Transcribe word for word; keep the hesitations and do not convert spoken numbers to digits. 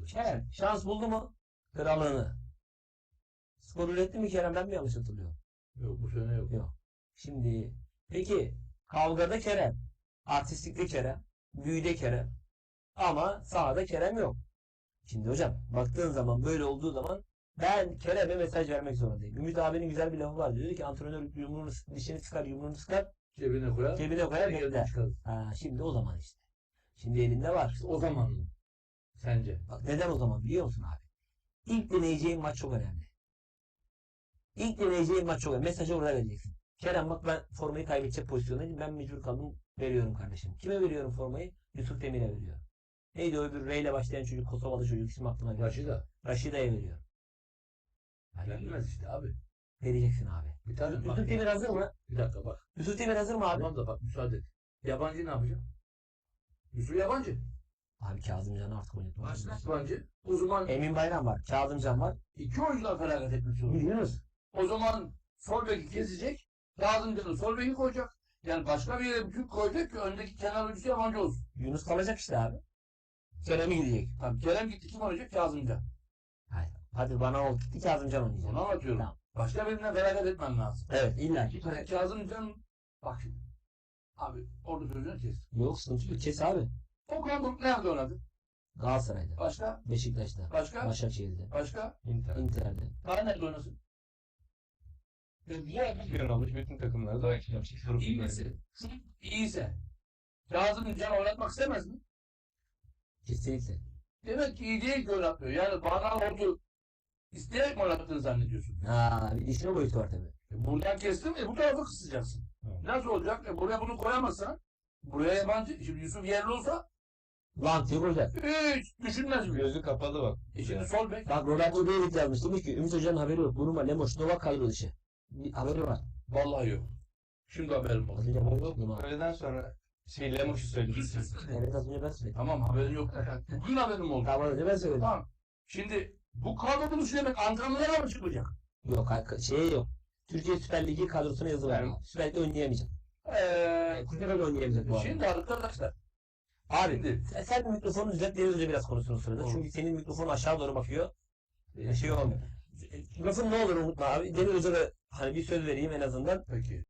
Kerem şans buldu mu? Kralını. Skor üretti mi Kerem? Ben mi yanlış hatırlıyorum? Yok bu sene yok. Yok. Şimdi peki kavgada Kerem. Artistlikte Kerem. Büyüde Kerem. Ama sahada Kerem yok. Şimdi hocam baktığın zaman böyle olduğu zaman ben Kerem'e mesaj vermek zorundayım. Ümit abinin güzel bir lafı var. Diyor ki antrenör yumruğunu dişini sıkar yumruğunu sıkar Cebine koyar. cebine koyar Yerden bekler. çıkarır. Ha, şimdi o zaman işte. Şimdi elinde var. İşte o zaman mı? Sence? Bak neden o zaman biliyor musun abi? İlk deneyeceğin maç çok önemli. İlk deneyeceğin maç çok önemli. Mesajı orada vereceksin. Kerem bak ben formayı kaybedecek pozisyondayım. Ben mecbur kaldım. Veriyorum kardeşim. Kime veriyorum formayı? Yusuf Demir'e veriyorum. Neydi o öbür R ile başlayan çocuk? Kosovalı çocuk. İsim aklıma geldi. Raşida. Raşida'ya veriyorum. Yani Gelmez işte abi. vereceksin abi. Bir tane Yusuf bak. Demir hazır mı? Bir dakika bak. Yusuf Demir hazır mı abi? Tamam da bak müsaade et. Yabancı ne yapacak? Yusuf yabancı. Abi Kazımcan'ı artık oynatma. Başka yabancı. O zaman Emin Bayram var. Kazımcan var. iki oyuncular felaket etmiş olur. Yunus. O zaman sol beki kesecek. Kazımcan'ı sol beki koyacak. Yani başka bir yere bütün koyacak ki öndeki kenar oyuncusu yabancı olsun. Yunus kalacak işte abi. Kerem'i gidecek. Tamam Kerem gitti kim oynayacak? Kazımcan. Hayır. Hadi bana ol gitti Kazımcan oynayacak. Onu anlatıyorum. Tamam. Başka birinden felaket etmen lazım. Evet illa ki. Yani Kazımcan bak şimdi. Abi orada sözünü kes. Yok sıkıntı yok. Kes abi. Okan Buruk nerede oynadı? Galatasaray'da. Başka? Beşiktaş'ta. Başka? Başakşehir'de. Başka? Inter. Inter'de. Daha nerede oynasın? Şampiyon olmuş bütün takımlarda da İyi misin? İyiyse. Kazımcan oynatmak istemez mi? Kesinlikle. Demek ki iyi değil ki oynatmıyor. Yani bana oldu. İsteyerek mi oynattığını zannediyorsun? Ha, bir düşünme boyutu var tabii. E buradan kestin mi bu tarafa kısacaksın. Evet. Nasıl olacak? E buraya bunu koyamazsan buraya yabancı. Şimdi Yusuf yerli olsa Lan diyor hocam. hiç düşünmez bile. gözü kapalı bak. E şimdi sol bek. Bak Roberto David yazmış. Demiş ki Ümit Hoca'nın haberi yok. Buruma, Lemos, Novak kadro dışı. Bir haberi var. Vallahi yok. Şimdi haberim Az oldu. önce ben yoktum ha. Öğleden sonra şey Lemos'u söyledim. Evet az önce ben söyledim. Tamam haberin yok. Bugün haberim oldu. Tamam az önce ben söyledim. Tamam. Şimdi bu kadro buluşu demek antrenmanlara mı çıkacak? Yok şey yok. Türkiye Süper Ligi kadrosuna yazı var. Yani- Süper Lig'de oynayamayacak. Eee Kulübe oynayamayacak bu arada. şimdi arkadaşlar. Abi Şimdi sen, sen bir mikrofonu düzelt Deniz Hoca biraz konuşsun o sırada. Olur. Çünkü senin mikrofon aşağı doğru bakıyor. Ee, şey olmuyor. Lafın ne olur unutma abi. Deniz Hoca da hani bir söz vereyim en azından. peki.